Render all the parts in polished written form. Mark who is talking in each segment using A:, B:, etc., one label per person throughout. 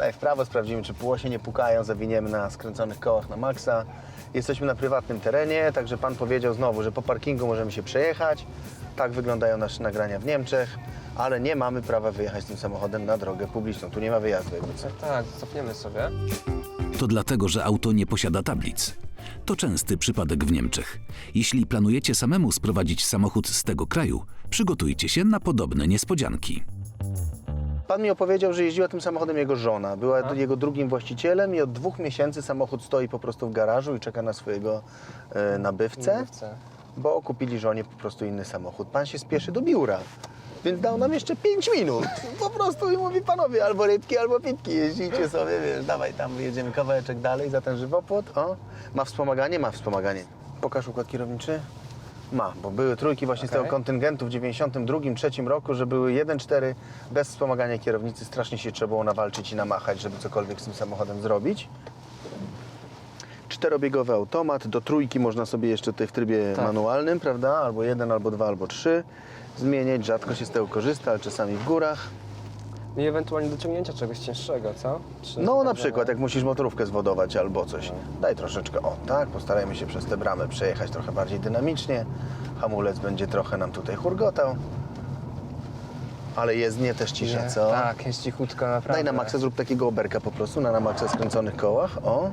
A: Daj w prawo, sprawdzimy, czy półosie nie pukają, zawiniemy na skręconych kołach na maksa. Jesteśmy na prywatnym terenie, także pan powiedział znowu, że po parkingu możemy się przejechać. Tak wyglądają nasze nagrania w Niemczech, ale nie mamy prawa wyjechać tym samochodem na drogę publiczną. Tu nie ma wyjazdu jakby co.
B: Tak, cofniemy sobie.
C: To dlatego, że auto nie posiada tablic. To częsty przypadek w Niemczech. Jeśli planujecie samemu sprowadzić samochód z tego kraju, przygotujcie się na podobne niespodzianki.
A: Pan mi opowiedział, że jeździła tym samochodem jego żona. Była jego drugim właścicielem i od 2 miesięcy samochód stoi po prostu w garażu i czeka na swojego nabywcę, bo kupili żonie po prostu inny samochód. Pan się spieszy do biura, więc dał nam jeszcze 5 minut. Po prostu i mówi, panowie, albo rybki, albo pitki, jeździcie sobie, wiesz, dawaj tam, jedziemy kawałeczek dalej za ten żywopłot. O, ma wspomaganie? Ma wspomaganie. Pokaż układ kierowniczy. Ma, bo były trójki właśnie z tego kontyngentu w 92-3 roku, że były 1.4 bez wspomagania kierownicy. Strasznie się trzeba było nawalczyć i namachać, żeby cokolwiek z tym samochodem zrobić. 4-biegowy automat, do trójki można sobie jeszcze tutaj w trybie manualnym, prawda? Albo 1, albo 2, albo 3 zmieniać. Rzadko się z tego korzysta, ale czasami w górach.
B: I ewentualnie do ciągnięcia czegoś cięższego, co?
A: No na przykład jak musisz motorówkę zwodować albo coś. Daj troszeczkę, o tak, postarajmy się przez tę bramę przejechać trochę bardziej dynamicznie. Hamulec będzie trochę nam tutaj hurgotał. Ale jezdnie też cisza, co?
B: Tak, jest cichutko naprawdę.
A: Daj na maksa, zrób takiego oberka po prostu, na maksa skręconych kołach, o.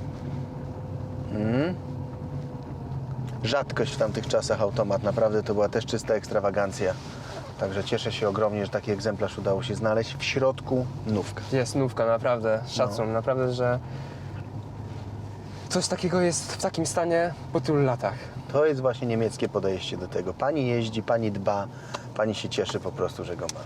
A: Rzadkość w tamtych czasach automat, naprawdę to była też czysta ekstrawagancja. Także cieszę się ogromnie, że taki egzemplarz udało się znaleźć. W środku nówka.
B: Jest nówka, naprawdę, szacun, naprawdę, że coś takiego jest w takim stanie po tylu latach.
A: To jest właśnie niemieckie podejście do tego. Pani jeździ, pani dba, pani się cieszy po prostu, że go ma.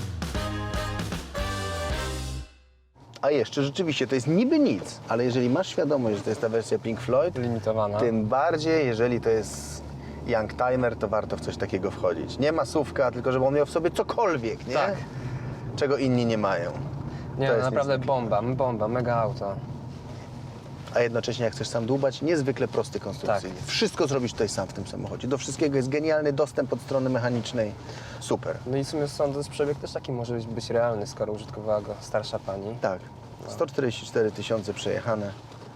A: A jeszcze rzeczywiście to jest niby nic, ale jeżeli masz świadomość, że to jest ta wersja Pink Floyd,
B: Limitowana.
A: tym bardziej, jeżeli to jest Youngtimer, to warto w coś takiego wchodzić. Nie masówka, tylko żeby on miał w sobie cokolwiek, nie?
B: Tak.
A: Czego inni nie mają.
B: Nie,
A: To
B: no,
A: jest
B: naprawdę
A: niezwykle.
B: bomba, mega auto.
A: A jednocześnie jak chcesz sam dłubać, niezwykle prosty konstrukcyjnie.
B: Tak.
A: Wszystko zrobisz tutaj sam w tym samochodzie. Do wszystkiego jest genialny dostęp od strony mechanicznej. Super.
B: No i w sumie sądzę, że przebieg też taki może być realny, skoro użytkowała go starsza pani.
A: Tak. 144 000 przejechane.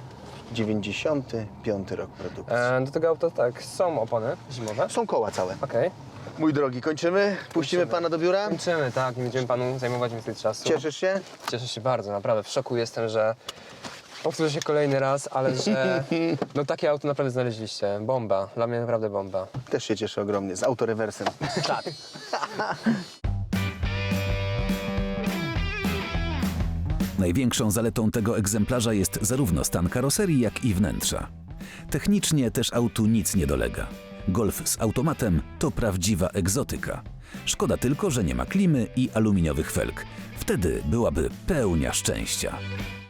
A: 95 rok produkcji.
B: Do tego auta tak, są opony zimowe.
A: Są koła całe.
B: Okej.
A: Mój drogi, kończymy? Puścimy pana do biura?
B: Kończymy, tak, nie będziemy panu zajmować więcej czasu.
A: Cieszysz się?
B: Cieszę się bardzo, naprawdę. W szoku jestem, że powtórzę się kolejny raz, ale że no takie auto naprawdę znaleźliście. Bomba, dla mnie naprawdę bomba.
A: Też się cieszę ogromnie. Z autorewersem.
B: Tak.
C: Największą zaletą tego egzemplarza jest zarówno stan karoserii, jak i wnętrza. Technicznie też autu nic nie dolega. Golf z automatem to prawdziwa egzotyka. Szkoda tylko, że nie ma klimy i aluminiowych felg. Wtedy byłaby pełnia szczęścia.